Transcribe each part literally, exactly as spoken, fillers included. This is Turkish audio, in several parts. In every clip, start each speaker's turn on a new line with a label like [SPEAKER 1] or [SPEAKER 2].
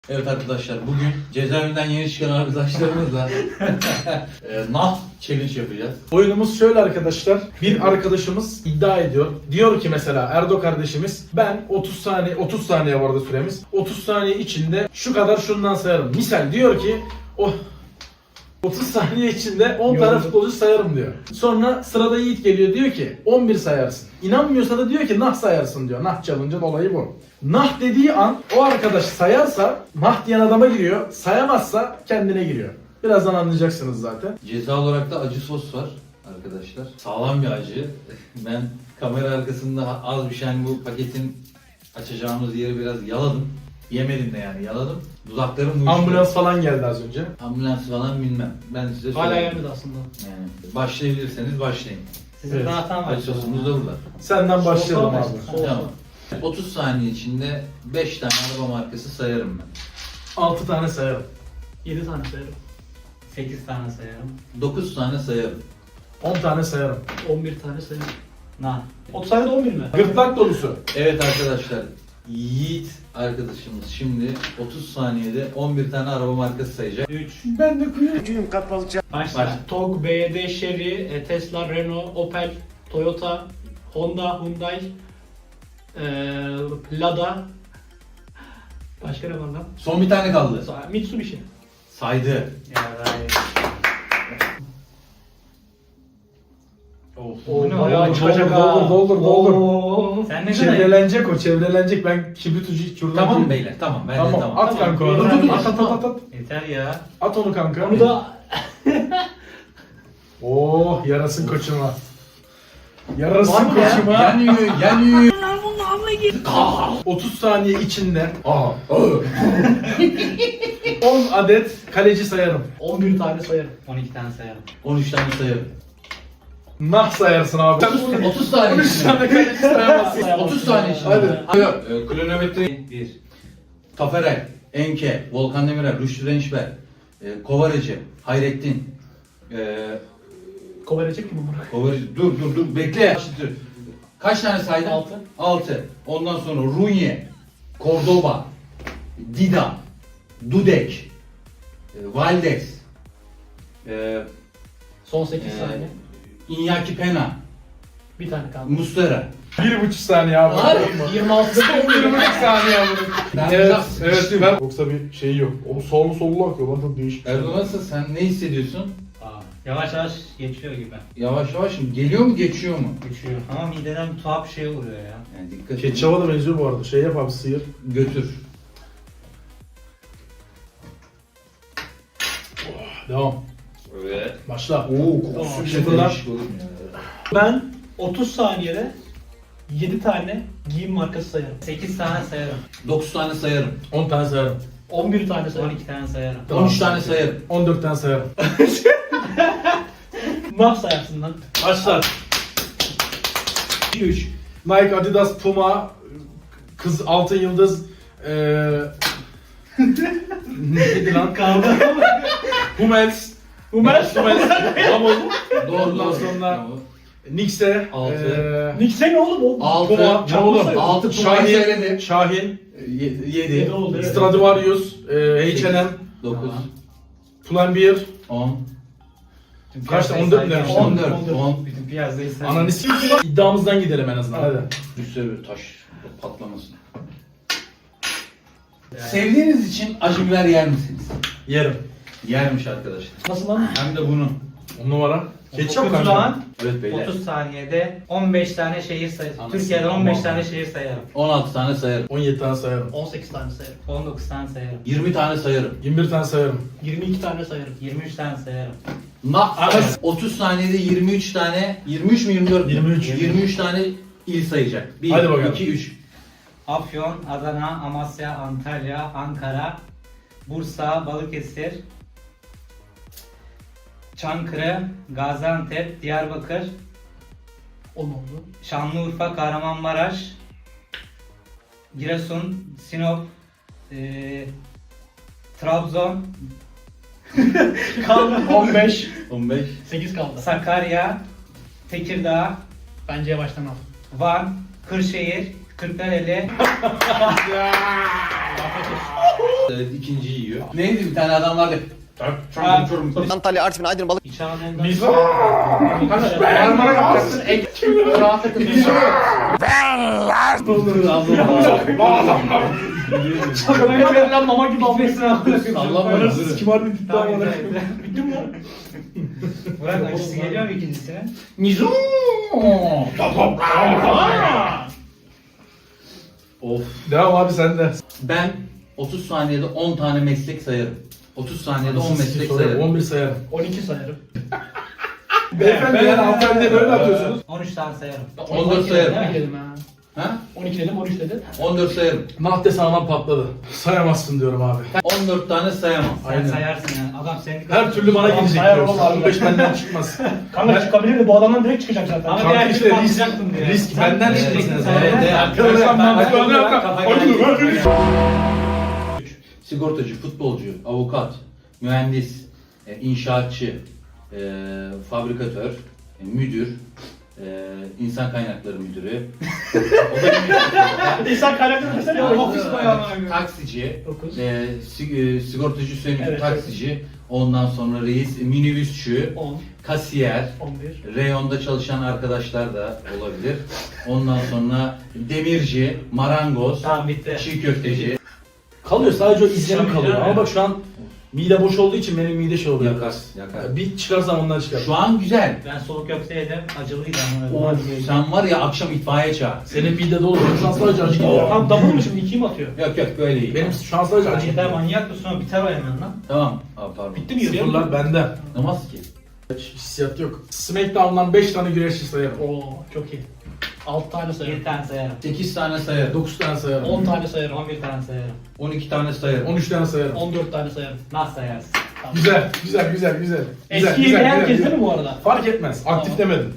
[SPEAKER 1] Evet arkadaşlar, bugün cezaevinden yeni çıkan arkadaşlarımızla e, nah challenge yapacağız.
[SPEAKER 2] Oyunumuz şöyle arkadaşlar. Bir arkadaşımız iddia ediyor. Diyor ki mesela Erdo kardeşimiz, ben otuz saniye otuz saniye vardı süremiz. otuz saniye içinde şu kadar şundan sayarım. Misal diyor ki o otuz saniye içinde on tane futbolcu sayarım diyor. Sonra sırada Yiğit geliyor, diyor ki on bir sayarsın. İnanmıyorsa da diyor ki nah sayarsın diyor. Nah challenge'ın olayı bu. Nah dediği an o arkadaş sayarsa nah diyen adama giriyor. Sayamazsa kendine giriyor. Birazdan anlayacaksınız zaten.
[SPEAKER 1] Ceza olarak da acı sos var arkadaşlar. Sağlam bir acı. Ben kamera arkasında az bir şey, hani bu paketin açacağımız yeri biraz yaladım. Yemedim de yani, yaladım. Dudaklarım uyuştu.
[SPEAKER 2] Ambulans falan geldi az önce.
[SPEAKER 1] Ambulans falan bilmem. Ben size
[SPEAKER 3] Hala
[SPEAKER 1] söyleyeyim.
[SPEAKER 3] gelmedi aslında.
[SPEAKER 1] Yani başlayabilirseniz başlayın.
[SPEAKER 3] Sizin
[SPEAKER 2] Evet.
[SPEAKER 3] zaten var.
[SPEAKER 1] Acı sosumuz da burada.
[SPEAKER 2] Senden başlayalım
[SPEAKER 3] Soğuktan
[SPEAKER 2] abi.
[SPEAKER 3] başla. Soğuk.
[SPEAKER 1] Tamam. otuz saniye içinde beş tane araba markası sayarım ben.
[SPEAKER 2] altı tane sayarım.
[SPEAKER 3] yedi tane sayarım. sekiz tane sayarım.
[SPEAKER 1] dokuz tane sayarım.
[SPEAKER 2] on tane sayarım.
[SPEAKER 3] on bir tane sayarım. Na. otuz tane de on bir mi?
[SPEAKER 2] Gırtlak dolusu.
[SPEAKER 1] Evet arkadaşlar, Yiğit arkadaşımız şimdi otuz saniyede on bir tane araba markası sayacak.
[SPEAKER 3] üç.
[SPEAKER 2] Ben de kuyruğum.
[SPEAKER 3] Başla.
[SPEAKER 1] Başla.
[SPEAKER 3] Tog, B Y D, Chery, e, Tesla, Renault, Opel, Toyota, Honda, Hyundai, e, Lada. Başka ne var lan?
[SPEAKER 1] Son bir tane kaldı.
[SPEAKER 3] Sonra Mitsubishi.
[SPEAKER 1] Saydı.
[SPEAKER 3] Ya
[SPEAKER 1] Of.
[SPEAKER 3] O ne
[SPEAKER 2] bayağı
[SPEAKER 3] ya?
[SPEAKER 2] çıkacak ha. Doldur, doldur, doldur.
[SPEAKER 3] Oo. Sen ne kadar?
[SPEAKER 2] Çevrelenecek o, çevrelenecek. Ben kibrit ucu kürdan
[SPEAKER 1] Tamam
[SPEAKER 2] ucu-
[SPEAKER 1] beyler, tamam. Ben
[SPEAKER 2] Tamam,
[SPEAKER 1] de tamam.
[SPEAKER 2] at kanka onu.
[SPEAKER 3] Dur, dur, dur.
[SPEAKER 2] At at at at at.
[SPEAKER 3] Yeter ya.
[SPEAKER 2] At onu kanka.
[SPEAKER 3] Onu da
[SPEAKER 2] Oh, yarasın koçuma. Yarasın
[SPEAKER 3] Var mı ya?
[SPEAKER 2] koçuma.
[SPEAKER 1] Yanıyor, yanıyor.
[SPEAKER 2] otuz saniye içinde on adet kaleci sayarım.
[SPEAKER 3] on bir tane sayarım.
[SPEAKER 4] on iki tane sayarım.
[SPEAKER 1] on üç tane sayarım.
[SPEAKER 2] Nah sayarsın abi. Sen
[SPEAKER 1] otuz saniye
[SPEAKER 2] on üç
[SPEAKER 1] içinde.
[SPEAKER 2] tane kaleci sayamazsın.
[SPEAKER 1] otuz saniye içinde.
[SPEAKER 2] Hadi.
[SPEAKER 1] Yok, e, kronometre
[SPEAKER 4] bir.
[SPEAKER 1] Taferel, Enke, Volkan Demirel, Rüştü Rençber, e, Kovareci, Hayrettin, e,
[SPEAKER 3] Kovalayacak kim bunu?
[SPEAKER 1] Kovareci, dur dur dur bekle. Kaç tane saydın?
[SPEAKER 3] Altı.
[SPEAKER 1] Altı. Ondan sonra Runye, Cordoba, Dida, Dudek, e, Valdes, e,
[SPEAKER 3] Son sekiz
[SPEAKER 1] e,
[SPEAKER 3] saniye.
[SPEAKER 1] Iñaki Pena,
[SPEAKER 3] Bir tane kaldı.
[SPEAKER 1] Mustera.
[SPEAKER 2] Bir buçuk saniye abi.
[SPEAKER 1] Var.
[SPEAKER 3] yirmi altı
[SPEAKER 2] Bir buçuk saniye abi.
[SPEAKER 1] Ben
[SPEAKER 2] Evet,
[SPEAKER 1] biraz
[SPEAKER 2] evet.
[SPEAKER 1] sıkıştım.
[SPEAKER 2] Ben... Yoksa bir şey yok. O sollu sollu akıyor. Lan çok değişik.
[SPEAKER 1] Erdoğan, nasıl, sen ne hissediyorsun?
[SPEAKER 4] Aa, yavaş yavaş geçiyor gibi.
[SPEAKER 1] Yavaş yavaş mı? Geliyor mu, geçiyor mu?
[SPEAKER 4] Geçiyor. Ama mideden bir tuhaf bir şey oluyor ya.
[SPEAKER 1] Yani dikkat et.
[SPEAKER 2] Ketçaba da benziyor bu arada. Şey yap abi, sıyır.
[SPEAKER 1] Götür.
[SPEAKER 2] Devam.
[SPEAKER 1] Evet.
[SPEAKER 2] Başla.
[SPEAKER 1] Oo, kokusu
[SPEAKER 3] Tamam,
[SPEAKER 1] bile
[SPEAKER 2] sıfırlar.
[SPEAKER 1] değişik oğlum ya.
[SPEAKER 3] Ben otuz saniyede yedi tane giyim markası sayarım.
[SPEAKER 4] sekiz tane sayarım.
[SPEAKER 1] dokuz tane sayarım.
[SPEAKER 2] on tane sayarım.
[SPEAKER 3] on bir tane
[SPEAKER 4] on
[SPEAKER 3] sayarım.
[SPEAKER 4] iki tane sayarım.
[SPEAKER 1] on üç tane sayarım.
[SPEAKER 2] on dört tane sayarım.
[SPEAKER 3] Nah sayarsın lan.
[SPEAKER 2] Başla. üç. Nike, Adidas, Puma, kız altın yıldız, eee neydi lan?
[SPEAKER 3] Kaldı.
[SPEAKER 2] Hummels,
[SPEAKER 3] Hummels.
[SPEAKER 2] Hummels, Hummels,
[SPEAKER 1] Doğru
[SPEAKER 2] Ondan
[SPEAKER 1] doğru.
[SPEAKER 2] sonra-
[SPEAKER 1] Bravo.
[SPEAKER 2] Nix'e,
[SPEAKER 1] Altı.
[SPEAKER 2] eee,
[SPEAKER 3] Nix'e ne oğlum o?
[SPEAKER 1] Altı.
[SPEAKER 2] Puma,
[SPEAKER 3] Çabuk
[SPEAKER 2] oğlum,
[SPEAKER 3] sayıyorsun.
[SPEAKER 1] Altı Puma'yı
[SPEAKER 2] Şahin,
[SPEAKER 1] söyledi.
[SPEAKER 2] Şahin,
[SPEAKER 1] Yedi.
[SPEAKER 3] Yedi oldu, evet.
[SPEAKER 2] Stradivarius, eee, H and M,
[SPEAKER 1] Dokuz.
[SPEAKER 4] Tamam.
[SPEAKER 2] Pull&Bear,
[SPEAKER 1] On.
[SPEAKER 4] Bütün
[SPEAKER 2] Kaçtı?
[SPEAKER 4] piyasayı
[SPEAKER 2] on dört
[SPEAKER 4] sayacağım.
[SPEAKER 2] demiştim.
[SPEAKER 1] On dört.
[SPEAKER 3] on dört.
[SPEAKER 1] On.
[SPEAKER 4] Bütün piyasayı sayacağım.
[SPEAKER 2] ananı s***. İddiamızdan gidelim en azından. Hadi.
[SPEAKER 1] Üstüne taş patlamasın.
[SPEAKER 4] Yani.
[SPEAKER 1] Sevdiğiniz için acı biber yer misiniz?
[SPEAKER 2] Yerim.
[SPEAKER 1] Yermiş arkadaşlar.
[SPEAKER 3] Nasıl lan?
[SPEAKER 1] Hem de bunu.
[SPEAKER 2] On numara. Ketçap
[SPEAKER 4] O
[SPEAKER 2] kanka.
[SPEAKER 4] zaman
[SPEAKER 1] Evet beyler.
[SPEAKER 4] otuz saniyede on beş tane şehir sayarım.
[SPEAKER 1] Anasını
[SPEAKER 4] Türkiye'de on beş
[SPEAKER 1] aman.
[SPEAKER 4] tane şehir sayarım.
[SPEAKER 1] on altı tane sayarım.
[SPEAKER 2] on yedi tane sayarım.
[SPEAKER 3] on sekiz tane sayarım.
[SPEAKER 4] on dokuz tane sayarım.
[SPEAKER 1] yirmi tane sayarım.
[SPEAKER 2] yirmi bir tane sayarım.
[SPEAKER 3] yirmi iki tane sayarım.
[SPEAKER 4] yirmi üç tane sayarım.
[SPEAKER 1] Nah sayarım. otuz saniyede yirmi üç tane, yirmi üç mü yirmi dört mü?
[SPEAKER 2] yirmi üç.
[SPEAKER 1] yirmi üç tane il sayacak. bir,
[SPEAKER 2] Hadi bakalım.
[SPEAKER 1] iki, üç.
[SPEAKER 4] Afyon, Adana, Amasya, Antalya, Ankara, Bursa, Balıkesir, Çankırı, Gaziantep, Diyarbakır,
[SPEAKER 3] on oldu.
[SPEAKER 4] Şanlıurfa, Kahramanmaraş, Giresun, Sinop, eee Trabzon,
[SPEAKER 3] Kaldı on beş.
[SPEAKER 1] on beş.
[SPEAKER 3] sekiz kaldı.
[SPEAKER 4] Sakarya, Tekirdağ,
[SPEAKER 3] Bence yavaştan al.
[SPEAKER 4] Van, Kırşehir, Kırklareli,
[SPEAKER 3] Afiyet olsun.
[SPEAKER 1] Evet, ikinciyi yiyor. Neydi bir tane adam vardı.
[SPEAKER 4] Ha.
[SPEAKER 5] Antalya, Artvin, Aydın, Balık.
[SPEAKER 4] İç Anadolu'dan.
[SPEAKER 2] Biz Marmara yapacaksın.
[SPEAKER 3] Şaka verilen mama gibi
[SPEAKER 4] Gitmesin abi.
[SPEAKER 1] Sallanma.
[SPEAKER 2] Kim harbi bitti
[SPEAKER 4] Tamam,
[SPEAKER 2] ama.
[SPEAKER 3] Bitti mi lan?
[SPEAKER 4] Burak acısı geliyor mu ikincisine?
[SPEAKER 1] Mizu. Of.
[SPEAKER 2] Devam abi sen de.
[SPEAKER 1] Ben otuz saniyede on tane meslek sayarım. otuz saniyede on meslek sayarım.
[SPEAKER 2] on bir sayarım.
[SPEAKER 3] on iki sayarım.
[SPEAKER 2] Beyefendi yani hanımefendiye böyle atıyorsunuz.
[SPEAKER 4] on üç tane sayarım.
[SPEAKER 1] on dört sayarım.
[SPEAKER 3] on iki dedim ha.
[SPEAKER 1] Ha?
[SPEAKER 3] on iki dedim, on üç dedim.
[SPEAKER 1] on dört sayarım.
[SPEAKER 2] Nahte sağlam patladı. Sayamazsın diyorum abi.
[SPEAKER 1] on dört tane sayamam.
[SPEAKER 4] Sen
[SPEAKER 2] Aynen.
[SPEAKER 4] sayarsın yani. Adam senin
[SPEAKER 2] Her türlü bana
[SPEAKER 3] Tamam,
[SPEAKER 2] gelecek
[SPEAKER 3] sayar
[SPEAKER 2] diyorsun.
[SPEAKER 3] oğlum abi.
[SPEAKER 2] on beş benden çıkmaz.
[SPEAKER 3] Kanka çıkabilirdi, bu adamdan direkt çıkacak zaten.
[SPEAKER 4] Ama
[SPEAKER 2] Kanka
[SPEAKER 4] diğer
[SPEAKER 2] işte
[SPEAKER 4] türlü
[SPEAKER 2] risk,
[SPEAKER 4] patlayacaktın diye.
[SPEAKER 2] risk
[SPEAKER 4] Sen-
[SPEAKER 2] benden
[SPEAKER 1] Evet,
[SPEAKER 2] çıkmasın.
[SPEAKER 1] evet,
[SPEAKER 2] Evet,
[SPEAKER 1] evet.
[SPEAKER 2] Arkadaşlar ben
[SPEAKER 4] Ben-
[SPEAKER 2] bunu yaptım.
[SPEAKER 4] Kafa
[SPEAKER 2] Hadi
[SPEAKER 4] geldi.
[SPEAKER 2] dur, hadi.
[SPEAKER 1] Sigortacı, futbolcu, avukat, mühendis, e, inşaatçı, e, fabrikatör, e, müdür, e, insan kaynakları müdürü,
[SPEAKER 3] İnsan kaynakları mesela ofis bayağı.
[SPEAKER 1] taksici,
[SPEAKER 3] Dokuz.
[SPEAKER 1] e, sig- e, sigortacı, Hüseyin
[SPEAKER 3] Evet,
[SPEAKER 1] taksici, ondan sonra reis, minibüsçü,
[SPEAKER 3] on,
[SPEAKER 1] kasiyer,
[SPEAKER 3] on bir.
[SPEAKER 1] reyonda çalışan arkadaşlar da olabilir. Ondan sonra demirci, marangoz,
[SPEAKER 4] Tamam bitti.
[SPEAKER 1] çiğ köfteci.
[SPEAKER 2] Kalıyor sadece o izlenim
[SPEAKER 4] Şu an
[SPEAKER 2] kalıyor.
[SPEAKER 4] güzel
[SPEAKER 2] Ama
[SPEAKER 4] mi?
[SPEAKER 2] bak şu an mide boş olduğu için benim mide şey oluyor.
[SPEAKER 1] Yakar, yakar.
[SPEAKER 2] Bir çıkarsam ondan çıkar.
[SPEAKER 1] Şu an güzel.
[SPEAKER 4] Ben soğuk köfte yedim. Acılıydı ama.
[SPEAKER 1] Of, sen var ya akşam itfaiye çağır.
[SPEAKER 2] Senin mide dolu. Benim şu an sadece acı gidiyor.
[SPEAKER 3] Tamam double mı şimdi ikiyi mi atıyor?
[SPEAKER 1] Yok yok böyle iyi.
[SPEAKER 2] Benim şu an sadece acı
[SPEAKER 4] Acı
[SPEAKER 2] gidiyor.
[SPEAKER 4] manyak mısın? O biter o hemen lan.
[SPEAKER 1] Tamam. Aa, pardon.
[SPEAKER 3] Bitti mi yürüyor?
[SPEAKER 2] Sıfırlar bende.
[SPEAKER 1] Namaz ki.
[SPEAKER 2] Hiç hissiyat yok. Smackdown'dan beş tane güreşçi sayarım.
[SPEAKER 3] Oo çok iyi. altı tane sayarım.
[SPEAKER 4] bir tane sayarım.
[SPEAKER 1] sekiz tane sayarım.
[SPEAKER 2] dokuz tane sayarım.
[SPEAKER 3] on tane sayarım.
[SPEAKER 4] on bir tane sayarım.
[SPEAKER 1] on iki tane sayarım.
[SPEAKER 2] on üç tane sayarım.
[SPEAKER 3] on dört tane sayarım.
[SPEAKER 4] Nasıl sayarsın?
[SPEAKER 3] Tamam.
[SPEAKER 2] Güzel, güzel, güzel, güzel. Güzel,
[SPEAKER 3] Eski
[SPEAKER 2] güzel,
[SPEAKER 3] yeni
[SPEAKER 2] güzel,
[SPEAKER 3] herkes
[SPEAKER 2] güzel.
[SPEAKER 3] değil mi bu arada?
[SPEAKER 2] Fark etmez. Aktif
[SPEAKER 3] Tamam.
[SPEAKER 2] demedim.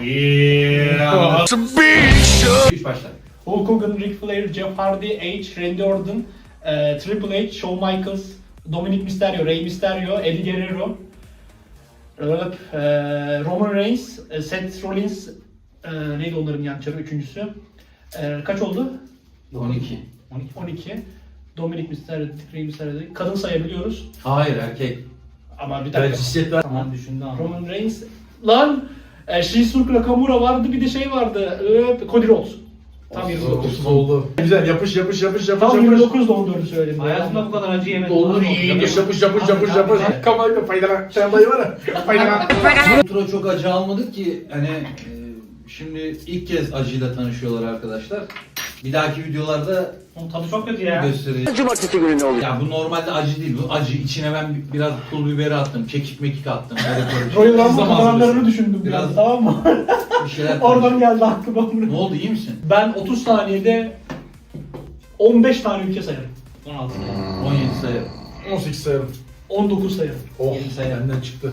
[SPEAKER 1] Üç başla.
[SPEAKER 3] Hulk Hogan, Ric Flair, Jeff Hardy, Edge, Randy Orton, e, Triple H, Shawn Michaels, Dominic Mysterio, Rey Mysterio, Eddie Guerrero, e, Roman Reigns, e, Seth Rollins, e, neydi onların yançarı üçüncüsü? E, kaç oldu?
[SPEAKER 1] on iki.
[SPEAKER 3] on iki. on iki. Dominic Mysterio, Rey Mysterio. Kadın sayabiliyoruz.
[SPEAKER 1] Hayır erkek.
[SPEAKER 3] Ama bir
[SPEAKER 2] Evet,
[SPEAKER 3] dakika.
[SPEAKER 2] cinsiyet ver.
[SPEAKER 4] Tamam düşündü ama.
[SPEAKER 3] Roman Reigns. Lan! E, Shinsuke Nakamura vardı, bir de şey vardı. E, Cody Rhodes. Tam yirmi dokuz.
[SPEAKER 2] dokuz oldu. Güzel, yapış, yapış, yapış, yapış,
[SPEAKER 3] Tam
[SPEAKER 2] yapış.
[SPEAKER 3] yirmi dokuz da on dördü söyledim.
[SPEAKER 4] Hayatımda bu kadar acı yemedim.
[SPEAKER 2] Doldur. Yapış, yapış, yapış, yapış, yapış. Kamerayla faydala. Sen dayı var ya. Faydala.
[SPEAKER 1] Tura çok acı almadık ki hani e, şimdi ilk kez acıyla tanışıyorlar arkadaşlar. Bir dahaki videolarda
[SPEAKER 4] Onun tadı çok kötü ya.
[SPEAKER 1] göstereceğim.
[SPEAKER 5] Cumartesi günü ne oluyor?
[SPEAKER 1] Ya bu normalde acı değil. Bu acı. İçine ben bi- biraz pul biberi attım. Kekik mekik attım. Böyle böyle bir şey.
[SPEAKER 3] Royal Rumble
[SPEAKER 2] Zaman
[SPEAKER 3] kazananlarını
[SPEAKER 2] süresi.
[SPEAKER 3] düşündüm biraz,
[SPEAKER 1] Biraz-
[SPEAKER 3] tamam mı?
[SPEAKER 1] Bir şeyler
[SPEAKER 3] Oradan geldi aklıma.
[SPEAKER 1] Ne oldu iyi misin?
[SPEAKER 3] Ben otuz saniyede on beş tane ülke sayarım.
[SPEAKER 4] on altı.
[SPEAKER 1] on yedi sayarım.
[SPEAKER 2] on sekiz sayarım.
[SPEAKER 3] on dokuz sayarım.
[SPEAKER 2] Oh,
[SPEAKER 4] yirmi sayarım.
[SPEAKER 2] benden çıktı.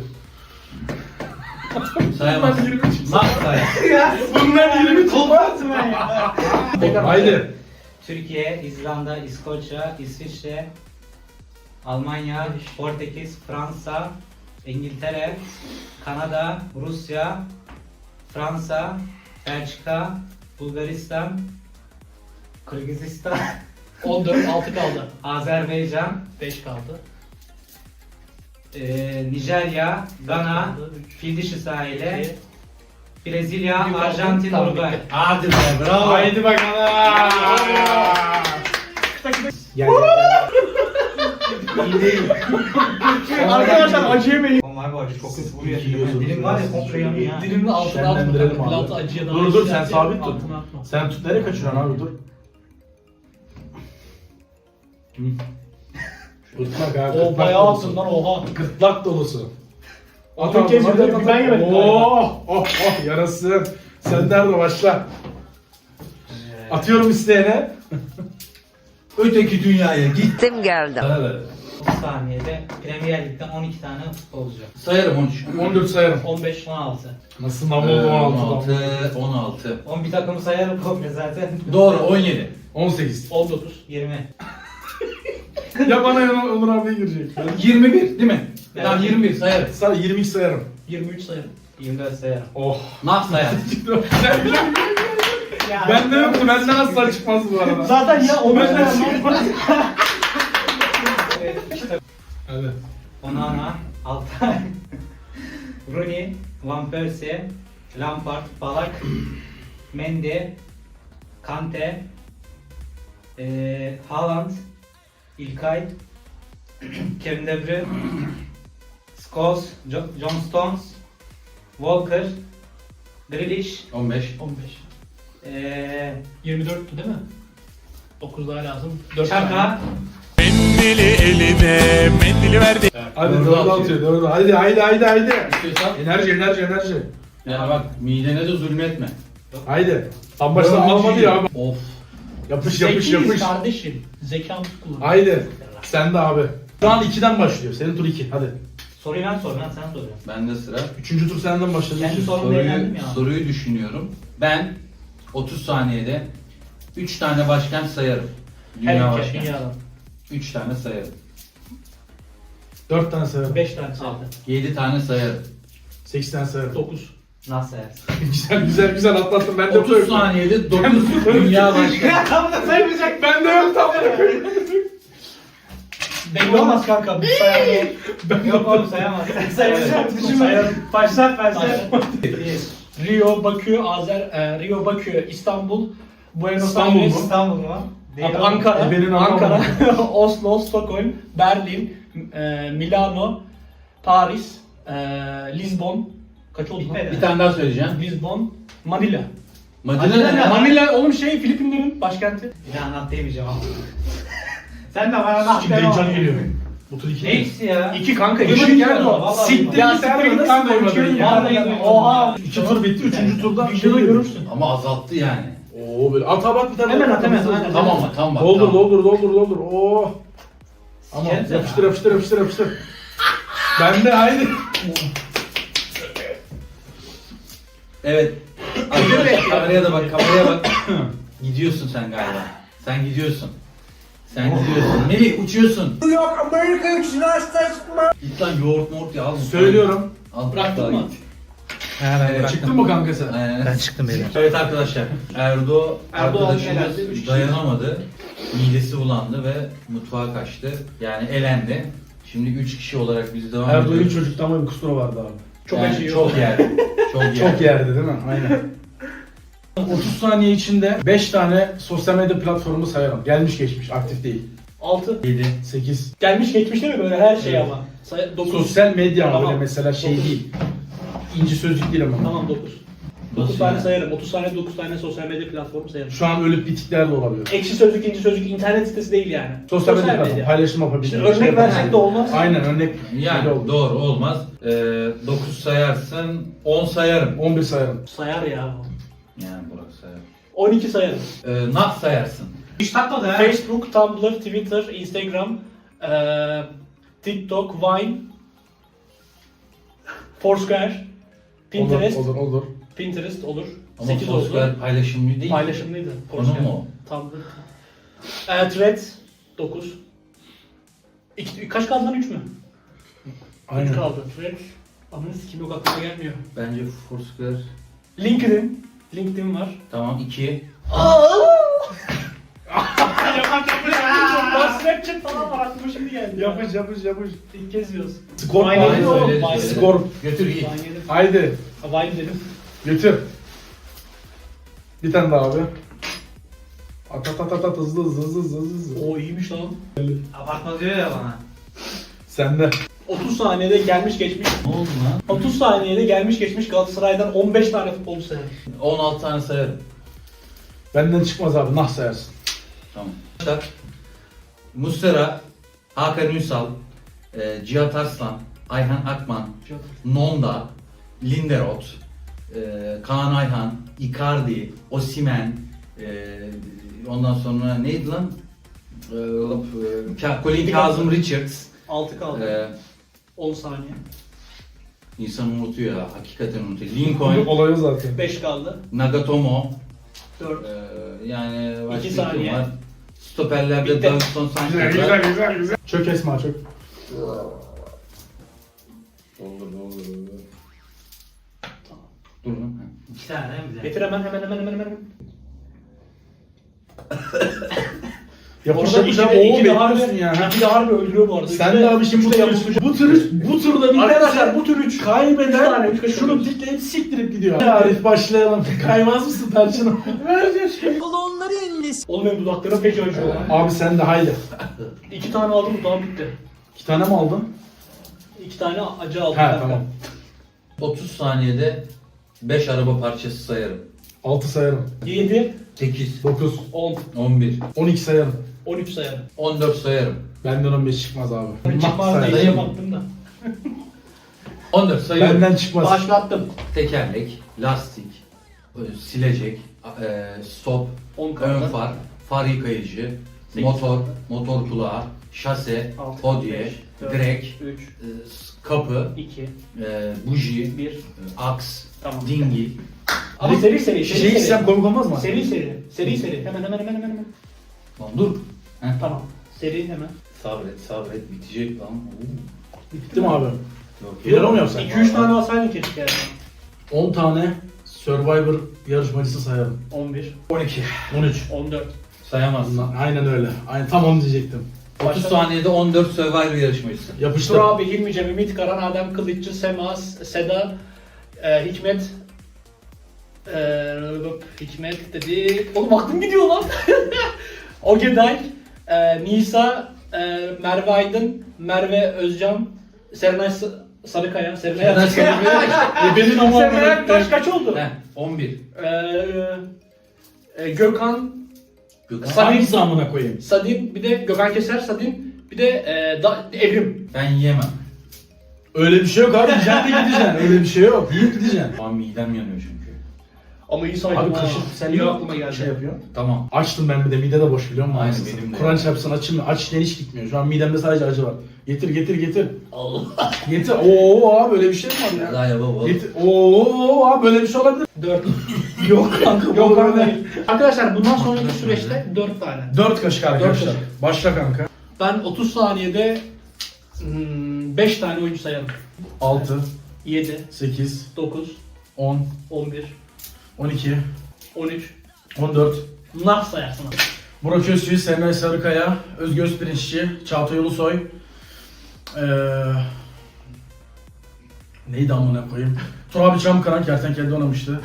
[SPEAKER 1] Sayamaz.
[SPEAKER 2] Ben yirmi çıksın.
[SPEAKER 1] Nasıl sayar?
[SPEAKER 2] Bunlar yirmi
[SPEAKER 4] Kopatım ben ya.
[SPEAKER 2] Haydi.
[SPEAKER 4] Türkiye, İzlanda, İskoçya, İsviçre, Almanya, Portekiz, Fransa, İngiltere, Kanada, Rusya, Fransa, Belçika, Bulgaristan, Kırgızistan,
[SPEAKER 3] on dört, altı kaldı.
[SPEAKER 4] Azerbaycan,
[SPEAKER 3] beş kaldı.
[SPEAKER 4] e, Nijerya, Gana, Fil Dişi Sahili, Brezilya,
[SPEAKER 3] Yukarıda,
[SPEAKER 4] Arjantin,
[SPEAKER 3] tamam,
[SPEAKER 4] Uruguay.
[SPEAKER 3] bitti.
[SPEAKER 1] Hadi be bravo.
[SPEAKER 2] Haydi bakalım. Gel. İyi değil.
[SPEAKER 3] Arkadaşlar acı yemeyin.
[SPEAKER 4] Aman abi acı çok kötü vuruyor.
[SPEAKER 2] İyi yiyorsun.
[SPEAKER 4] Dilim var ya komple yanıyor ya.
[SPEAKER 3] Dilimin altına atma.
[SPEAKER 2] Şenlendirelim
[SPEAKER 3] kanka.
[SPEAKER 2] abi.
[SPEAKER 3] Pilatı acıya daha
[SPEAKER 2] Dur dur sen
[SPEAKER 3] yükseltti,
[SPEAKER 2] sabit tut.
[SPEAKER 3] altına atma.
[SPEAKER 2] Sen tut, nereye kaçıyorsun abi dur. Gırtlak abi.
[SPEAKER 3] O
[SPEAKER 2] gırtlak
[SPEAKER 3] bayağı
[SPEAKER 2] dolusu.
[SPEAKER 3] attın lan, oha.
[SPEAKER 2] Gırtlak dolusu.
[SPEAKER 3] O bir kez yedim, bir ben yemedim
[SPEAKER 2] Oh oh oh yarasın. Sen nerede başla. Atıyorum isteyene.
[SPEAKER 1] Öteki dünyaya git.
[SPEAKER 5] Gittim geldim.
[SPEAKER 1] Evet.
[SPEAKER 4] otuz saniyede Premier Lig'den on iki tane futbolcu.
[SPEAKER 1] Sayarım on üç.
[SPEAKER 2] on dört sayarım.
[SPEAKER 3] on beş.
[SPEAKER 4] on altı.
[SPEAKER 2] Nasıl nam
[SPEAKER 1] Ee,
[SPEAKER 2] oldu on
[SPEAKER 1] on
[SPEAKER 2] altı?
[SPEAKER 1] altı. on altı.
[SPEAKER 4] on bir takımı sayarım komple zaten.
[SPEAKER 1] Doğru on yedi.
[SPEAKER 2] on sekiz.
[SPEAKER 3] on dokuz.
[SPEAKER 4] yirmi.
[SPEAKER 2] Ya bana ya Onur abiye girecek.
[SPEAKER 1] yirmi bir değil mi?
[SPEAKER 4] Evet.
[SPEAKER 1] Tamam yirmi bir sayarım.
[SPEAKER 2] Sana yirmi iki sayarım.
[SPEAKER 3] yirmi üç sayarım.
[SPEAKER 4] yirmi dört sayarım.
[SPEAKER 2] Oh.
[SPEAKER 1] Nasıl sayarım?
[SPEAKER 2] Bende yoktu. Benden asla çıkmaz bu arada.
[SPEAKER 3] Zaten ya o
[SPEAKER 2] Ben de-
[SPEAKER 3] yüzden
[SPEAKER 2] Hadi.
[SPEAKER 4] Onana, Altay, Rooney, Van Persie, Lampard, Balak, Mendy, Kante, eee Haaland, İlkay, Kevin De Bruyne, Scholes, Jo- John Stones, Walker, Grealish,
[SPEAKER 1] on beş.
[SPEAKER 3] on beş.
[SPEAKER 4] eee
[SPEAKER 3] yirmi dörttü değil mi? dokuz daha lazım. dört
[SPEAKER 4] Çaka,
[SPEAKER 6] Mendili eline, mendili verdi.
[SPEAKER 2] Hadi
[SPEAKER 1] Dördü
[SPEAKER 2] dördü
[SPEAKER 1] atıyor.
[SPEAKER 2] atıyor. Dördü. Haydi haydi haydi haydi.
[SPEAKER 1] İstiyorsan.
[SPEAKER 2] Enerji enerji enerji.
[SPEAKER 1] Ya bak midene de zulmetme.
[SPEAKER 2] Haydi. Tam başta
[SPEAKER 1] Dördüncü
[SPEAKER 2] almadı ya abi.
[SPEAKER 1] Of.
[SPEAKER 2] Yapış yapış
[SPEAKER 3] Zekiyiz
[SPEAKER 2] yapış.
[SPEAKER 3] kardeşim. Zekamızı kullan.
[SPEAKER 2] Haydi. Sen de abi. Şu an ikiden başlıyor. Senin tur iki. Hadi.
[SPEAKER 4] soruyu ben sor, ben sen soruyorum.
[SPEAKER 1] Bende sıra.
[SPEAKER 2] Üçüncü tur senden başladı.
[SPEAKER 4] Kendi sorumda eğlendim
[SPEAKER 1] Soruyu,
[SPEAKER 4] ya.
[SPEAKER 1] soruyu düşünüyorum. Ben otuz saniyede üç tane başkent sayarım.
[SPEAKER 3] Her
[SPEAKER 1] Dünya
[SPEAKER 3] ülke,
[SPEAKER 1] başkenti.
[SPEAKER 3] dünyadan.
[SPEAKER 1] üç tane sayarım.
[SPEAKER 2] Dört tane sayarım.
[SPEAKER 3] beş tane saydı.
[SPEAKER 1] yedi tane sayarım.
[SPEAKER 2] Sekiz tane sayarım.
[SPEAKER 3] dokuz.
[SPEAKER 4] Nasıl yersin?
[SPEAKER 2] güzel güzel güzel atlattım. Ben de
[SPEAKER 1] otuz saniyede dokuz dünya başkenti.
[SPEAKER 3] Tam da saymayacak.
[SPEAKER 2] Ben de yok tam da.
[SPEAKER 3] Belli olmaz kanka. Bir sayar
[SPEAKER 4] Yok oğlum sayamaz.
[SPEAKER 3] Sayacak. Düşünme. Başlat versen. Rio, Bakü, Azer, e, Rio, Bakü, İstanbul, Buenos
[SPEAKER 2] İstanbul
[SPEAKER 3] Aires,
[SPEAKER 2] mu?
[SPEAKER 4] İstanbul mu?
[SPEAKER 3] Abi Ankara,
[SPEAKER 2] Ebenin
[SPEAKER 3] Ankara,
[SPEAKER 2] anlamadım.
[SPEAKER 3] Oslo, Stockholm, Berlin, e, Milano, Paris, e, Lisbon. Kaç oldu lan?
[SPEAKER 4] Bitmedi.
[SPEAKER 1] Bir tane daha söyleyeceğim.
[SPEAKER 3] Lisbon, Manila.
[SPEAKER 1] Madina ne?
[SPEAKER 3] Manila oğlum şey Filipinlerin başkenti.
[SPEAKER 4] Bir daha anlat diyemeyeceğim ama. Sen de bana anlat
[SPEAKER 2] Şimdi heyecan geliyor. Bu tur iki.
[SPEAKER 4] Ne ikisi ya?
[SPEAKER 3] İki kanka.
[SPEAKER 4] Duymadım
[SPEAKER 3] Üçüncü
[SPEAKER 4] ya,
[SPEAKER 3] geldi o.
[SPEAKER 4] vallahi
[SPEAKER 3] Siktir
[SPEAKER 2] Ya
[SPEAKER 3] git
[SPEAKER 2] siktir
[SPEAKER 3] siktir
[SPEAKER 2] git
[SPEAKER 3] git
[SPEAKER 2] lan,
[SPEAKER 3] kanka.
[SPEAKER 2] duymadın
[SPEAKER 3] Üçüncü
[SPEAKER 2] ya.
[SPEAKER 3] geldi. Oha.
[SPEAKER 2] İki tur bitti. Üçüncü turda bir şey
[SPEAKER 3] Videoda
[SPEAKER 2] görürsün.
[SPEAKER 3] görürsün.
[SPEAKER 1] Ama azalttı yani.
[SPEAKER 2] Oo böyle at bak bir tane.
[SPEAKER 3] Hemen
[SPEAKER 2] daha
[SPEAKER 3] at, hemen,
[SPEAKER 2] hızlı.
[SPEAKER 3] aynen.
[SPEAKER 1] Tamam mı? Tamam bak.
[SPEAKER 2] Doldur
[SPEAKER 1] tamam.
[SPEAKER 2] doldur doldur doldur. Oo. Ama
[SPEAKER 4] Sikerim
[SPEAKER 2] yapıştır
[SPEAKER 4] seni.
[SPEAKER 2] yapıştır yapıştır yapıştır. Ben de haydi.
[SPEAKER 1] Evet. Arkadaşlar kameraya da bak, kameraya bak. Gidiyorsun sen galiba. Sen gidiyorsun. Sen gidiyorsun. Melih uçuyorsun. New York Amerika Git lan yoğurt mort ya al.
[SPEAKER 2] Söylüyorum.
[SPEAKER 1] Al,
[SPEAKER 3] Bıraktın
[SPEAKER 1] daha
[SPEAKER 3] mı?
[SPEAKER 1] git.
[SPEAKER 2] Evet, çıktın mı kanka sen?
[SPEAKER 1] Ee,
[SPEAKER 4] Ben çıktım beyler.
[SPEAKER 1] evet arkadaşlar. Erdo
[SPEAKER 3] Erdoğan
[SPEAKER 1] arkadaşımız
[SPEAKER 3] elendi, üç kişi.
[SPEAKER 1] dayanamadı. Midesi bulandı ve mutfağa kaçtı. Yani elendi. Şimdi üç kişi olarak biz devam
[SPEAKER 2] Erdoğan'ın
[SPEAKER 1] ediyoruz.
[SPEAKER 2] çocukta ama bir kusuru vardı abi.
[SPEAKER 3] Çok
[SPEAKER 1] Yani
[SPEAKER 3] acıyor.
[SPEAKER 1] Çok yerdi. Çok yerdi.
[SPEAKER 2] Çok yerdi değil mi? Aynen. otuz saniye içinde beş tane sosyal medya platformu sayarım. Gelmiş geçmiş, aktif değil.
[SPEAKER 3] Altı.
[SPEAKER 1] yedi.
[SPEAKER 2] sekiz.
[SPEAKER 3] Gelmiş geçmiş değil mi böyle her şey
[SPEAKER 2] Evet.
[SPEAKER 3] ama. Say- dokuz.
[SPEAKER 2] Sosyal medya ama
[SPEAKER 3] Tamam.
[SPEAKER 2] böyle mesela şey
[SPEAKER 3] Dokuz.
[SPEAKER 2] değil. İnci sözlük değil ama.
[SPEAKER 3] Tamam dokuz. dokuz
[SPEAKER 1] Nasıl
[SPEAKER 3] tane
[SPEAKER 1] yani?
[SPEAKER 3] sayarım. otuz tane dokuz tane sosyal medya platformu sayarım.
[SPEAKER 2] Şu an ölüp bitikler de olabilir.
[SPEAKER 3] Ekşi sözlük, inci sözlük internet sitesi değil yani.
[SPEAKER 2] Sosyal medya platformu, paylaşım yapabilir.
[SPEAKER 3] İşte örnek versek de olmaz.
[SPEAKER 2] Aynen örnek.
[SPEAKER 1] Yani
[SPEAKER 2] Öyle oldu.
[SPEAKER 1] doğru olmaz. Ee, dokuz sayarsın, on sayarım.
[SPEAKER 2] on bir sayarım.
[SPEAKER 3] Sayar ya.
[SPEAKER 1] Yani Burak sayar.
[SPEAKER 3] on iki sayarım.
[SPEAKER 1] Ee, nak sayarsın.
[SPEAKER 4] Hiç takmadı ha.
[SPEAKER 3] Facebook, Tumblr, Twitter, Instagram, eee TikTok, Vine, Foursquare, Pinterest,
[SPEAKER 2] Olur, olur, olur.
[SPEAKER 3] Pinterest olur.
[SPEAKER 1] Ama
[SPEAKER 3] sekiz
[SPEAKER 1] Foursquare
[SPEAKER 3] oldu.
[SPEAKER 1] paylaşımlı değil.
[SPEAKER 3] Paylaşımlıydı.
[SPEAKER 1] Konu
[SPEAKER 3] Foursquare.
[SPEAKER 1] mu?
[SPEAKER 3] Tumblr. Eee Threads dokuz. İki, kaç kaldı lan üç mü? üç
[SPEAKER 2] Aynen.
[SPEAKER 3] kaldı. Threads. Ananı sikim yok aklıma gelmiyor.
[SPEAKER 1] Bence Foursquare
[SPEAKER 3] LinkedIn. LinkedIn var.
[SPEAKER 1] tamam iki.
[SPEAKER 3] Lan Snapchat falan var aklıma şimdi geldi.
[SPEAKER 2] Yapış yapış yapış.
[SPEAKER 3] İlk kez yiyoruz.
[SPEAKER 2] Skor
[SPEAKER 3] Aynen
[SPEAKER 2] var.
[SPEAKER 3] öyle.
[SPEAKER 1] Vine
[SPEAKER 3] oğlum,
[SPEAKER 1] söyledi,
[SPEAKER 3] Vine.
[SPEAKER 1] söyledi.
[SPEAKER 2] Skor.
[SPEAKER 1] Götür iyi.
[SPEAKER 3] Vine yedim.
[SPEAKER 2] Haydi.
[SPEAKER 3] Ha, Vine dedim.
[SPEAKER 2] Götür. Bir tane daha abi. At at at at at hızlı hızlı hızlı hızlı hızlı.
[SPEAKER 3] O iyiymiş lan.
[SPEAKER 4] Abartma diyor ya bana.
[SPEAKER 2] Sende.
[SPEAKER 3] otuz saniyede gelmiş geçmiş.
[SPEAKER 1] Ne oldu lan?
[SPEAKER 3] otuz saniyede gelmiş geçmiş Galatasaray'dan on beş tane futbolcu sayar.
[SPEAKER 1] on altı tane sayarım.
[SPEAKER 2] Benden çıkmaz abi, nah sayarsın.
[SPEAKER 1] Tamam. Arkadaşlar, Muslera, Hakan Ünsal, e, Cihat Arslan, Ayhan Akman, Nonda, Linderoth, e, Kaan Ayhan, Icardi, Osimhen, e, ondan sonra neydi lan? E, Ka- Colin Kazım Richards.
[SPEAKER 3] altı kaldı.
[SPEAKER 1] E,
[SPEAKER 3] on saniye.
[SPEAKER 1] insan unutuyor ya, hakikaten unutuyor. Lincoln,
[SPEAKER 2] Olayı zaten.
[SPEAKER 3] beş kaldı.
[SPEAKER 1] Nagatomo,
[SPEAKER 3] dört.
[SPEAKER 1] e, yani başka
[SPEAKER 3] İki
[SPEAKER 1] bir
[SPEAKER 3] saniye.
[SPEAKER 1] kim var? Stoperlerde
[SPEAKER 3] Bitti.
[SPEAKER 1] Davinson Sanchez
[SPEAKER 2] Güzel
[SPEAKER 1] var.
[SPEAKER 2] güzel güzel güzel. Çök Esma çök.
[SPEAKER 1] Dur lan.
[SPEAKER 4] İki tane değil mi bize?
[SPEAKER 3] Getir hemen hemen hemen hemen hemen.
[SPEAKER 2] Yapış
[SPEAKER 3] Orada
[SPEAKER 2] yapış
[SPEAKER 3] iki
[SPEAKER 2] abi.
[SPEAKER 3] de-
[SPEAKER 2] Oo
[SPEAKER 3] iki de harbi-
[SPEAKER 2] bekliyorsun ya. ha.
[SPEAKER 3] İki de harbi öldürüyor bu arada.
[SPEAKER 2] Sen
[SPEAKER 3] İki
[SPEAKER 2] de abi şimdi bu
[SPEAKER 3] üç de
[SPEAKER 2] tur,
[SPEAKER 3] yapışmış.
[SPEAKER 2] bu tur, bu turda bir
[SPEAKER 3] Arkadaşlar bu tür üç. Üç tane,
[SPEAKER 2] kaybeden
[SPEAKER 3] üç kaşık
[SPEAKER 2] şunu
[SPEAKER 3] alıyoruz.
[SPEAKER 2] tikleyip siktirip gidiyor. Arif başlayalım. Kaymaz mısın tarçını?
[SPEAKER 3] Oğlum benim dudaklarım feci acıyor lan.
[SPEAKER 2] Abi sen de haydi.
[SPEAKER 3] İki tane aldım dudağım bitti.
[SPEAKER 2] İki tane mi aldın?
[SPEAKER 3] İki tane acı aldım.
[SPEAKER 2] He
[SPEAKER 3] kanka.
[SPEAKER 2] tamam.
[SPEAKER 1] otuz saniyede beş araba parçası sayarım.
[SPEAKER 2] altı sayarım.
[SPEAKER 3] Yedi,
[SPEAKER 1] sekiz,
[SPEAKER 2] dokuz,
[SPEAKER 3] on,
[SPEAKER 1] on bir,
[SPEAKER 2] on iki sayarım.
[SPEAKER 3] on üç sayarım.
[SPEAKER 1] on dört sayarım.
[SPEAKER 2] Benden on beş çıkmaz abi.
[SPEAKER 3] Çıkmaz
[SPEAKER 2] sayarım.
[SPEAKER 3] diye baktım da.
[SPEAKER 1] on dört sayıyorum.
[SPEAKER 2] Benden çıkmaz.
[SPEAKER 3] Başlattım.
[SPEAKER 1] Tekerlek, lastik, böyle silecek, e, stop,
[SPEAKER 3] on
[SPEAKER 1] ön
[SPEAKER 3] kaldı.
[SPEAKER 1] far, far yıkayıcı,
[SPEAKER 3] Sekiz.
[SPEAKER 1] motor, motor kulağı, şase,
[SPEAKER 3] Altı,
[SPEAKER 1] hodye,
[SPEAKER 3] beş, dört,
[SPEAKER 1] direk,
[SPEAKER 3] üç,
[SPEAKER 1] e, s- kapı,
[SPEAKER 3] iki,
[SPEAKER 1] e, buji,
[SPEAKER 3] bir.
[SPEAKER 1] e, aks,
[SPEAKER 3] Tamam.
[SPEAKER 1] dingil.
[SPEAKER 3] Ama seri seri, seri
[SPEAKER 2] Şey
[SPEAKER 3] seri.
[SPEAKER 2] içsem komik olmaz mı?
[SPEAKER 3] Seri seri, seri seri. Hemen hemen hemen hemen hemen.
[SPEAKER 1] Lan dur. Heh.
[SPEAKER 3] Tamam. Seri hemen.
[SPEAKER 1] Sabret, sabret, bitecek lan. Oo.
[SPEAKER 2] Bitti mi abi?
[SPEAKER 1] Yok,
[SPEAKER 2] Bir ara mı yapsak?
[SPEAKER 3] iki üç tane alsaydın keşke yani.
[SPEAKER 2] on tane Survivor yarışmacısı sayarım.
[SPEAKER 3] on bir,
[SPEAKER 1] on iki.
[SPEAKER 2] on üç.
[SPEAKER 3] on dört.
[SPEAKER 1] Sayamazsın.
[SPEAKER 2] Aynen öyle. Aynen tam onu diyecektim.
[SPEAKER 1] otuz saniyede on dört Survivor yarışmacısı.
[SPEAKER 2] Yapıştır.
[SPEAKER 3] Tur abi, Hilmi Cem, Ümit Karan, Adem Kılıççı, Sema, Seda, e, Hikmet, e, Hikmet dedi. Oğlum aklım gidiyor lan. Ogeday, e, Nisa, e, Merve Aydın, Merve Özcan, Serenay S- Sarıkaya, Serenay
[SPEAKER 1] Serenay
[SPEAKER 3] Sarıkaya.
[SPEAKER 2] E benim ama
[SPEAKER 3] Serenay Aktaş kaç oldu?
[SPEAKER 1] Heh, on bir.
[SPEAKER 3] E, e, Gökhan,
[SPEAKER 1] Gökhan.
[SPEAKER 2] hangisi amına koyayım?
[SPEAKER 3] Sadin, bir de Gökhan Keser, Sadin, bir de e, da, Evrim.
[SPEAKER 1] Ben yiyemem.
[SPEAKER 2] Öyle bir şey yok abi. Yiyeceksin de gideceksin. Öyle bir şey yok. Yiyip gideceksin.
[SPEAKER 1] Şu an midem yanıyor çünkü.
[SPEAKER 3] Ama iyi saydım
[SPEAKER 2] Abi
[SPEAKER 3] ha.
[SPEAKER 2] kaşık sen
[SPEAKER 3] iyi
[SPEAKER 2] niye
[SPEAKER 3] aklıma geldi.
[SPEAKER 2] şey yapıyor?
[SPEAKER 1] Tamam.
[SPEAKER 2] Açtım ben bir de mide de boş biliyor musun?
[SPEAKER 1] Aynen,
[SPEAKER 2] Anasını
[SPEAKER 1] benim de.
[SPEAKER 2] Kur'an çarpsın açılmıyor. Aç hiç gitmiyor. Şu an midemde sadece acı var. Getir getir getir.
[SPEAKER 1] Allah.
[SPEAKER 2] Getir. Oo abi böyle bir şey mi var ya?
[SPEAKER 1] Daha yapamam.
[SPEAKER 2] Getir. Oo abi böyle bir şey olabilir.
[SPEAKER 3] Dört.
[SPEAKER 2] Yok kanka.
[SPEAKER 3] Yok
[SPEAKER 2] bu
[SPEAKER 3] kanka
[SPEAKER 2] böyle.
[SPEAKER 3] değil. Arkadaşlar bundan sonraki süreçte dört tane.
[SPEAKER 2] Dört kaşık arkadaşlar.
[SPEAKER 3] Dört kaşık.
[SPEAKER 2] Başla kanka.
[SPEAKER 3] Ben otuz saniyede hmm, beş tane oyuncu sayarım.
[SPEAKER 2] altı,
[SPEAKER 3] yedi,
[SPEAKER 2] sekiz,
[SPEAKER 3] dokuz,
[SPEAKER 2] on,
[SPEAKER 3] on bir,
[SPEAKER 2] on iki,
[SPEAKER 3] on üç.
[SPEAKER 2] on dört.
[SPEAKER 3] Nah sayarsın abi.
[SPEAKER 2] Burak Özçivit, Serenay Sarıkaya, Özgür Özpirinççi, Çağatay Ulusoy. Ee, neydi amına koyayım? Turabi Çamkaran kertenkelde oynamıştı.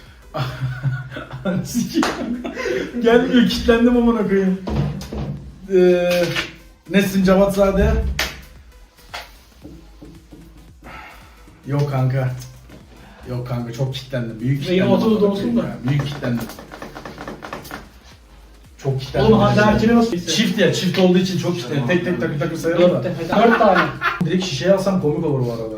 [SPEAKER 2] Sikeyim. Gelmiyor, kilitlendim amına koyayım. Ee, Nesin Cevatzade. Yok kanka. Yok kanka çok kilitlendim. Büyük
[SPEAKER 3] Ve yine
[SPEAKER 2] kilitlendim.
[SPEAKER 3] otuz da
[SPEAKER 2] amına
[SPEAKER 3] olsun
[SPEAKER 2] koyayım
[SPEAKER 3] da.
[SPEAKER 2] ya, büyük kilitlendim. Çok kilitlendim.
[SPEAKER 3] Oğlum Hande Erçel'e nasıl gitsin?
[SPEAKER 2] Çift ya, çift olduğu için çok kilitlendim. Tek tek takır takır sayarım da.
[SPEAKER 3] Dört, dört tane.
[SPEAKER 2] Direkt şişeye alsam komik olur bu arada.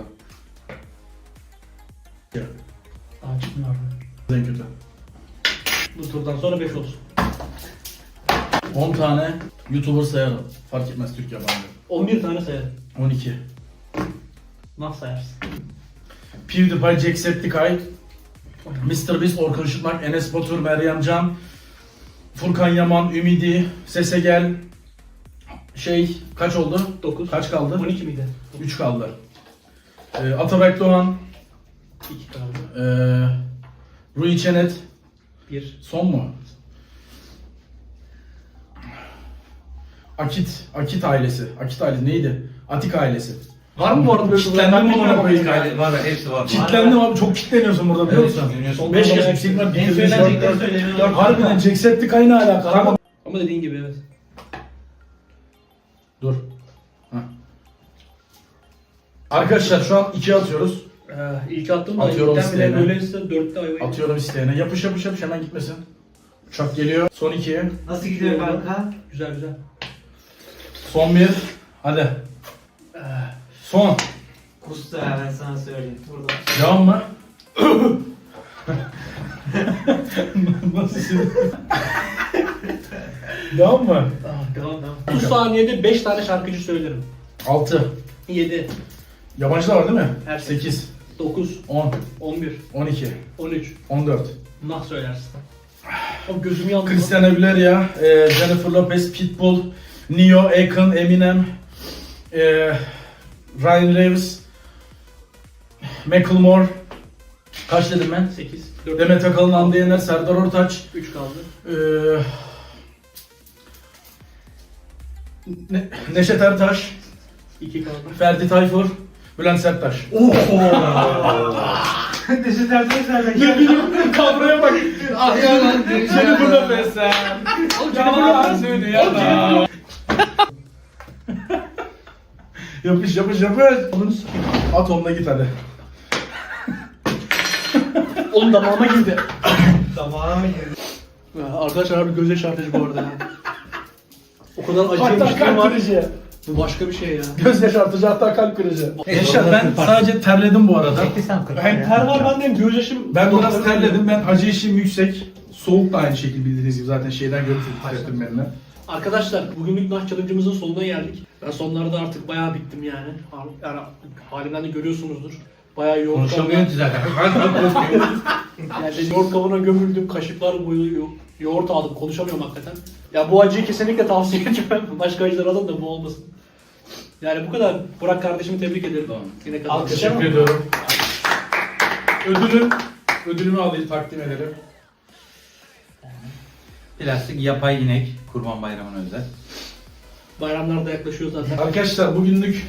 [SPEAKER 3] Aa çıkmıyor abi.
[SPEAKER 2] En kötü.
[SPEAKER 3] Bu turdan sonra beş olsun.
[SPEAKER 2] on tane YouTuber sayarım. Fark etmez Türk yabancı.
[SPEAKER 3] on bir tane sayarım.
[SPEAKER 2] on iki.
[SPEAKER 3] Nah sayarsın.
[SPEAKER 2] PewDiePie, Jacksepticeye, mister Beast, Orkun Işıtmak, Enes Batur, Meryem Can, Furkan Yaman, Ümidi, Sese Gel. Şey kaç oldu?
[SPEAKER 3] dokuz.
[SPEAKER 2] Kaç kaldı?
[SPEAKER 3] on iki miydi?
[SPEAKER 2] üç kaldı. Ee, Atabek Doğan,
[SPEAKER 3] iki kaldı.
[SPEAKER 2] ee, Rui Çenet,
[SPEAKER 3] bir.
[SPEAKER 2] son mu? Akit, Akit ailesi. Akit ailesi neydi? Atik ailesi.
[SPEAKER 3] Var mı bu arada böyle
[SPEAKER 2] Kitlendim
[SPEAKER 3] Ben
[SPEAKER 2] amına
[SPEAKER 3] bilmiyorum.
[SPEAKER 2] koyayım.
[SPEAKER 1] Var var hepsi var.
[SPEAKER 2] Kitlendim abi, çok kitleniyorsun burada biliyor musun?
[SPEAKER 1] Evet,
[SPEAKER 2] beş yaş yüksek var.
[SPEAKER 4] En söylenecekleri söyleniyor.
[SPEAKER 2] Harbiden Jacksepticeye ne alaka? Kanka.
[SPEAKER 3] Ama dediğin gibi evet.
[SPEAKER 2] Dur. Heh. Arkadaşlar şu an ikiye atıyoruz.
[SPEAKER 3] Ee, ilk attım da
[SPEAKER 2] Atıyorum
[SPEAKER 3] ilkten bile
[SPEAKER 2] isteğine.
[SPEAKER 3] böyleyse dörtte ayvayı.
[SPEAKER 2] Atıyorum isteyene. Yapış yapış yapış hemen gitmesin. Uçak geliyor. Son iki.
[SPEAKER 4] Nasıl gidiyor kanka?
[SPEAKER 3] Güzel güzel.
[SPEAKER 2] Son bir. Hadi. Son.
[SPEAKER 4] Kustu ya ben sana söyleyeyim. Burada.
[SPEAKER 2] Devam mı? Nasıl şimdi? Devam mı?
[SPEAKER 3] Ah, devam devam. otuz saniyede beş tane şarkıcı söylerim.
[SPEAKER 2] altı.
[SPEAKER 3] yedi,
[SPEAKER 2] Yabancı da var değil mi?
[SPEAKER 3] Her şey.
[SPEAKER 2] sekiz.
[SPEAKER 3] dokuz,
[SPEAKER 2] on.
[SPEAKER 3] on bir,
[SPEAKER 2] on iki.
[SPEAKER 3] on üç.
[SPEAKER 2] on dört.
[SPEAKER 3] Nah söylersin. O gözüm yandı.
[SPEAKER 2] Christian Aguilera, e, Jennifer Lopez, Pitbull, Neo, Akon, Eminem, e, Ryan Reeves, Macklemore, kaç dedim ben?
[SPEAKER 3] sekiz, dört,
[SPEAKER 2] Demet Akalın, Hande Yener, Serdar Ortaç,
[SPEAKER 3] üç kaldı.
[SPEAKER 2] e, Ne- Neşet Ertaş,
[SPEAKER 3] İki kaldı.
[SPEAKER 2] Ferdi Tayfur, Bülent Serttaş.
[SPEAKER 4] Neşet Ertaş nereden
[SPEAKER 2] Ne bileyim kadroya bak.
[SPEAKER 1] Ah ya lan.
[SPEAKER 2] Seni burada beslen. Yalan dünyada. Yapış yapış yapış.
[SPEAKER 3] Onu sikeyim.
[SPEAKER 2] At onunla git hadi.
[SPEAKER 3] Oğlum damağıma girdi.
[SPEAKER 4] Damağına mı girdi?
[SPEAKER 3] Ya, arkadaşlar harbi göz yaşartıcı bu arada ya. O kadar
[SPEAKER 2] Hatta
[SPEAKER 3] acıymış ki
[SPEAKER 2] kalp
[SPEAKER 3] var.
[SPEAKER 2] kırıcı.
[SPEAKER 3] Bu başka bir şey ya.
[SPEAKER 2] Göz yaşartıcı hatta kalp kırıcı. Gençler
[SPEAKER 4] Orada
[SPEAKER 2] ben
[SPEAKER 4] kırpar.
[SPEAKER 2] sadece terledim bu arada.
[SPEAKER 4] Peki sen kırk.
[SPEAKER 3] Hem ter var bende hem göz yaşım.
[SPEAKER 2] Ben biraz terledim. Ben acı işim yüksek. Soğuk da aynı şekilde bildiğiniz gibi zaten şeyden görüp titrettim benimle.
[SPEAKER 3] Arkadaşlar bugünlük Nah Challenge'ımızın sonuna geldik. Ben sonlarda artık bayağı bittim yani. Yani halimden de görüyorsunuzdur. Bayağı yoğurt
[SPEAKER 1] Konuşamıyorsun ki zaten.
[SPEAKER 3] Yani yoğurt kabuğuna gömüldüm, kaşıklar boyu yo- yoğurt aldım, konuşamıyorum hakikaten. Ya bu acıyı kesinlikle tavsiye etmem. Başka acılar alın da bu olmasın. Yani bu kadar. Burak kardeşimi tebrik ederim.
[SPEAKER 1] Tamam.
[SPEAKER 3] Yine kazandı.
[SPEAKER 2] Teşekkür ediyorum. Ödülüm, ödülümü alayım takdim ederim.
[SPEAKER 1] Plastik yapay inek. Kurban Bayramı'na özel.
[SPEAKER 3] Bayramlar da yaklaşıyor zaten.
[SPEAKER 2] Arkadaşlar bugünlük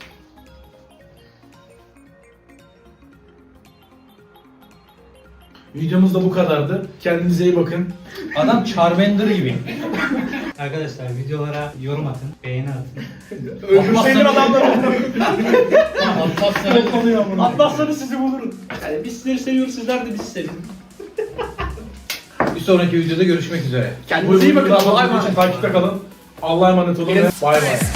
[SPEAKER 2] videomuz da bu kadardı. Kendinize iyi bakın.
[SPEAKER 1] Adam Charmander gibi.
[SPEAKER 4] Arkadaşlar videolara yorum atın, beğeni atın.
[SPEAKER 3] Öldürseydin adamları.
[SPEAKER 1] Atmazsan
[SPEAKER 3] Atmazsanız sizi bulurum. Yani biz sizleri seviyoruz, sizler de bizi sevin.
[SPEAKER 1] bir sonraki videoda görüşmek üzere.
[SPEAKER 3] Kendinize iyi bakın.
[SPEAKER 2] Allah'a
[SPEAKER 3] Allah'a
[SPEAKER 2] emanet
[SPEAKER 3] emanet.
[SPEAKER 2] Takipte kalın. Allah'a emanet olun ve bay bay.